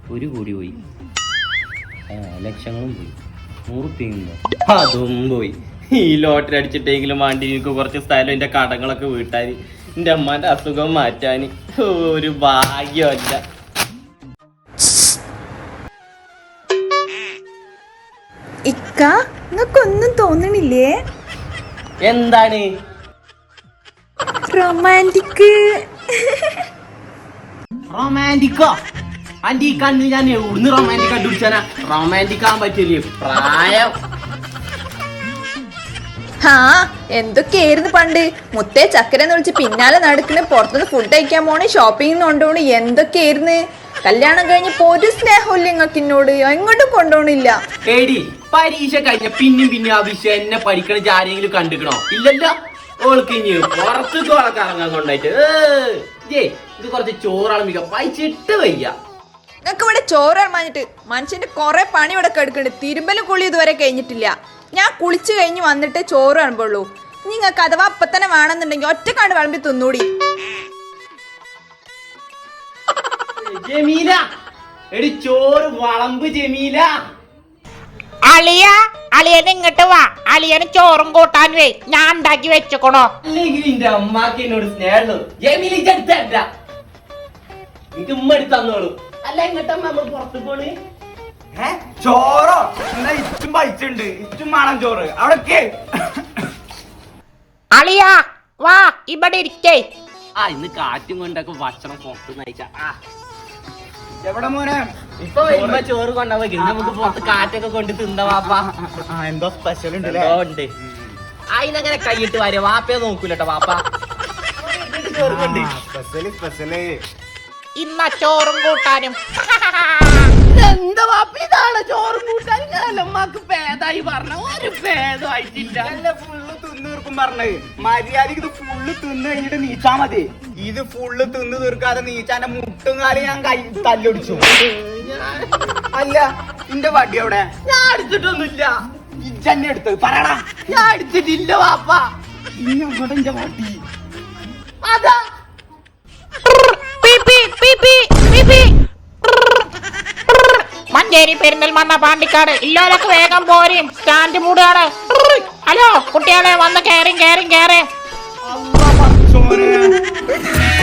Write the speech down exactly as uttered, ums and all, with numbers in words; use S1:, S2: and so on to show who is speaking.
S1: ഒരു കോടി പോയി, ലക്ഷങ്ങളും പോയി, നൂറുപ്യുണ്ടോ അതും പോയി. ഈ ലോട്ടറി അടിച്ചിട്ടെങ്കിലും വേണ്ടി എനിക്ക് കുറച്ച് സ്ഥലം എൻ്റെ കടങ്ങളൊക്കെ വീട്ടാൻ, എൻ്റെ അമ്മാൻ്റെ അസുഖം മാറ്റാൻ ഒരു ഭാഗ്യമല്ല.
S2: ഇക്ക നിങ്ങൾക്കൊന്നും തോന്നണില്ലേ?
S1: എന്താണ്
S2: റൊമാൻറ്റിക്?
S1: റൊമാൻറ്റിക്കോ? ആന്റി ഈ കണ്ണ് ഞാൻ എവിടുന്ന് റൊമാൻറ്റിക് കണ്ടുപിടിച്ചാനാ? റൊമാൻറ്റിക് ആകാൻ പറ്റില്ലേ പ്രായം.
S2: ഹാ എന്തൊക്കെയായിരുന്നു പണ്ട്. മുത്തേ ചക്കരെന്ന് വിളിച്ച് പിന്നാലെ നടക്കണ്, പുറത്തുനിന്ന് ഫുഡ് കഴിക്കാൻ പോണ്, ഷോപ്പിങ്ങിന് കൊണ്ടുപോണ്, എന്തൊക്കെയായിരുന്നു. കല്യാണം കഴിഞ്ഞപ്പോ ഒരു സ്നേഹമില്ല നിങ്ങൾക്ക് എന്നോട്, എങ്ങോട്ടും കൊണ്ടുപോണില്ല.
S1: എടി പരീക്ഷ കഴിഞ്ഞ പിന്നും പിന്നെ ആ വിഷയം എന്നെ പഠിക്കണ ആരെങ്കിലും കണ്ടിക്കണോ? ഇല്ലല്ലോ. ഓൾക്ക് ഇനി പുറത്തേക്ക് ഓളൊക്കെ ഇറങ്ങാൻ കൊണ്ടായിട്ട് ഏ ഇത് കുറച്ച് ചോറാണ് പൈച്ചിട്ട് വയ്യ.
S2: നിങ്ങൾക്ക് ഇവിടെ ചോറ് ഇറമാഞ്ഞിട്ട് മനുഷ്യന്റെ കുറെ പണി ഇവിടെ കെടുക്കുന്നുണ്ട്. തിരുമ്പലും കുളി ഇതുവരെ കഴിഞ്ഞിട്ടില്ല. ഞാൻ കുളിച്ചു കഴിഞ്ഞ് വന്നിട്ട് ചോറ് ഇറമ്പുള്ളൂ. നിങ്ങൾക്ക് അഥവാ അപ്പൊ തന്നെ വേണമെന്നുണ്ടെങ്കിൽ ഒറ്റക്കാണ്ട് വിളമ്പി തിന്നൂടി.
S1: ജമീല എടി ചോറ് വളമ്പ് ജമീല.
S3: അളിയ അളിയൻ ഇങ്ങോട്ട് വാ, അളിയന് ചോറും കൂട്ടാൻ വേ, ഞാൻ ഉണ്ടാക്കി വെച്ചോണോ.
S1: അല്ലെങ്കിൽ എന്റെ അമ്മാക്ക് എന്നോട് സ്നേഹമുള്ളൂ. ജമീല ഇതെടുത്തല്ല എനിക്ക് ഉമ്മ എടുത്ത് തന്നോളൂ. അല്ല ഇങ്ങോട്ട് അമ്മ നമ്മൾ പുറത്ത് പോണ്.
S4: ചോറോ? എന്നാ ഇച്ചും പൈച്ചുണ്ട്, ഇച്ചും വേണം ചോറ്. അവിടെ
S3: അളിയ വാ ഇവിടെ ഇരിക്കേ.
S1: ആ ഇന്ന് കാറ്റും കൊണ്ടൊക്കെ ഭക്ഷണം പുറത്ത് നയിച്ച.
S4: എവിടെ മോനെ?
S1: ഇപ്പൊ വരുമ്പോ ചോറ് കൊണ്ടുപോയി നമുക്ക് പുറത്ത് കാറ്റൊക്കെ കൊണ്ട് തിന്ന വാപ്പ.
S4: എന്തോ സ്പെഷ്യൽ ഉണ്ട്.
S1: ഉണ്ട് അതിനങ്ങനെ കൈയിട്ട് വരെ വാപ്പയെ നോക്കൂലട്ടോ വാപ്പ. ചോറ് കൊണ്ട്
S4: സ്പെഷ്യല് സ്പെഷ്യല്
S3: ഇന്ന ചോറും കൂട്ടാനും.
S1: എന്താ വാപ്പ ഇതാണ് ചോറും കൂട്ടാൻ? ഞാനമ്മക്ക് പേതായി പറഞ്ഞ ഒരു പേദമായിട്ടില്ല.
S4: ഫുള്ള് തിന്ന് തീർക്കും പറഞ്ഞത്. മര്യാദക്ക് ഇത് ഫുള്ള് തിന്ന് കഴിഞ്ഞിട്ട് നീച്ചാ മതി. ഇത് ഫുള്ള് തിന്ന് തീർക്കാതെ നീച്ചാന്റെ മുട്ടും കാലം ഞാൻ കൈ തല്ലൊടിച്ചു. അല്ല നിന്റെ വടി എവിടെ?
S1: ഞാൻ എടുത്തിട്ടൊന്നുമില്ല.
S4: ഇജ്ജന്നെ എടുത്ത് പറയടാ.
S1: ഞാൻ എടുത്തിട്ടില്ല വാപ്പ.
S4: ഇനി അങ്ങോട്ട് എന്റെ വടി.
S1: അതാ
S3: മഞ്ചേരി പെരിന്തൽമണ്ണ പാണ്ടിക്കാട് ഇല്ലോലൊക്കെ വേഗം പോരും, സ്റ്റാൻഡ് മൂടാണ്. ഹലോ കുട്ടികളെ വന്ന് കേറി കേറി കേറി.
S4: അള്ളാ പടച്ചോനെ.